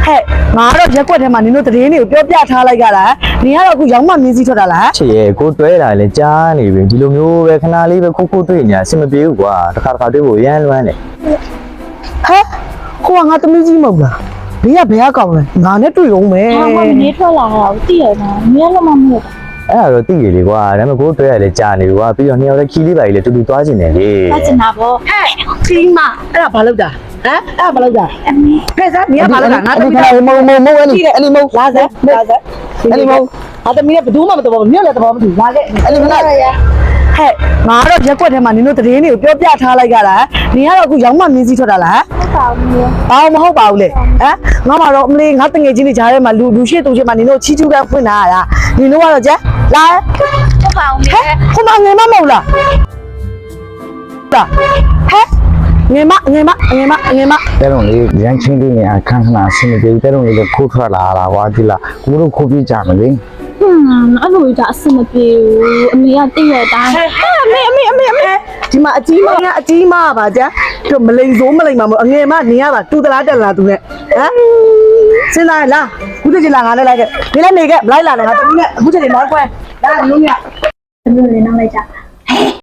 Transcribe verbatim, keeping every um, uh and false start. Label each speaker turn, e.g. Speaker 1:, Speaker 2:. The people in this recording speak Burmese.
Speaker 1: ဲ့ငါတော့ရက်ွက်ထဲမှာနင်တို့တရင်တွေကိုပြောပြထားလိုက်ကြတာနင်ကတော့အခုရောင်းမှမြင်းစည်းထွက်တာလား
Speaker 2: ချစ်ရဲ့ကိုတွဲတာလေကြားနေပြီဒီလိုမျိုးပဲခဏလေးပဲခုခုတွေ့ညာအဆင်မပြေဘူးကွာတစ်ခါတစ်ခါတွေ့ဖို့ရမ်းလွမ်းတယ်
Speaker 1: ဟဲ့ကိုကငါသမီးကြီးမဟုတ်လားဘေးကဘယ်ကောင်းလဲငါနဲ့တွေ့အောင်မယ်
Speaker 3: ဟာမနေထွက်လာတာကိုသိရမှာမင်းလည်းမမဟုတ်
Speaker 2: အဲ့ဒါတော့သိရလေကွာဒါပေမဲ့ကိုတွဲရလေကြားနေပြီကွာပြီးတော့နှစ်ယောက်လည်းခီးလေးပါလေတူတူသွားကျင်တယ်လေ
Speaker 3: သွားကျင်တာပေါ့
Speaker 1: ဟဲ့ခီးမအဲ့ဒါဘာလုပ်တာဟမ်အဲ့ဒါဘာလုပ်တာ
Speaker 3: အမေ
Speaker 1: ဖဲစားနင်ကဘာလုပ်တာငါသမီးက
Speaker 2: မုံမုံမုံအဲ့ဒီအဲ့ဒီမုံ
Speaker 1: လာစမ်းလာစမ်းအဲ့ဒီမုံငါသမီးကဘယ်သူမှမတော်ဘူးနင်လည်းတော်မတူလာခဲ့
Speaker 2: အဲ့ဒီမလား
Speaker 1: ဟဲ့ငါတော့ရက်ွက်ထဲမှာနင်တို့တရင်တွေကိုပြောပြထားလိုက်ကြတာနင်ကတော့အခုရောင်းမှမြင်းစည်းထွက်တာလား
Speaker 3: ဟုတ်ပါဘူး
Speaker 1: ဘာမဟုတ်ပါဘူးလေဟမ်ငါမှတော့အမလေးငါတငယ်ချင်းတွေကြားထဲမှာလူလူရှိတူချင်းမှာနင်တို့ချီချူကဖွင့်လာရတာနင်တို့ကတော့ကြက်လာ
Speaker 3: ဟုတ်ပါဘူးဟဲ့
Speaker 1: ခုမငယ်မမဟုတ်လားတာဟဲ့ငယ်မငယ်မငယ်မငယ်မ
Speaker 4: တဲ့တော့လေရန်ချင်းလေးနေအခန်းခဏဆင်းနေပြီတဲ့တော့လေခိုးထွက်လာတာကွာဒီလားကိုတို့ခိုးပြကြမလဲ
Speaker 3: ဟွန်းအဲ့လိုဒါအဆင်မပြေဘူးအမေကတည့်ရတိုင်း
Speaker 1: အမေအမေအမေအမေဒီမှာအကြီးမကအကြီးမပါကြတို့မလိန်စိုးမလိန်မှာမအငယ်မနေရပါတူတလားတက်လားသူနဲ့ဟမ်စဉ်းစားလားခုတည်းလာငါလည်းလိုက်ခဲ့ဒီလည်းနေခဲ့မလိုက်လာနဲ့ငါတမီးနဲ့အခုချိန်နောက်ကွယ်လာမျိုးမြ
Speaker 3: သမီးလေးနောက်လိုက်ကြ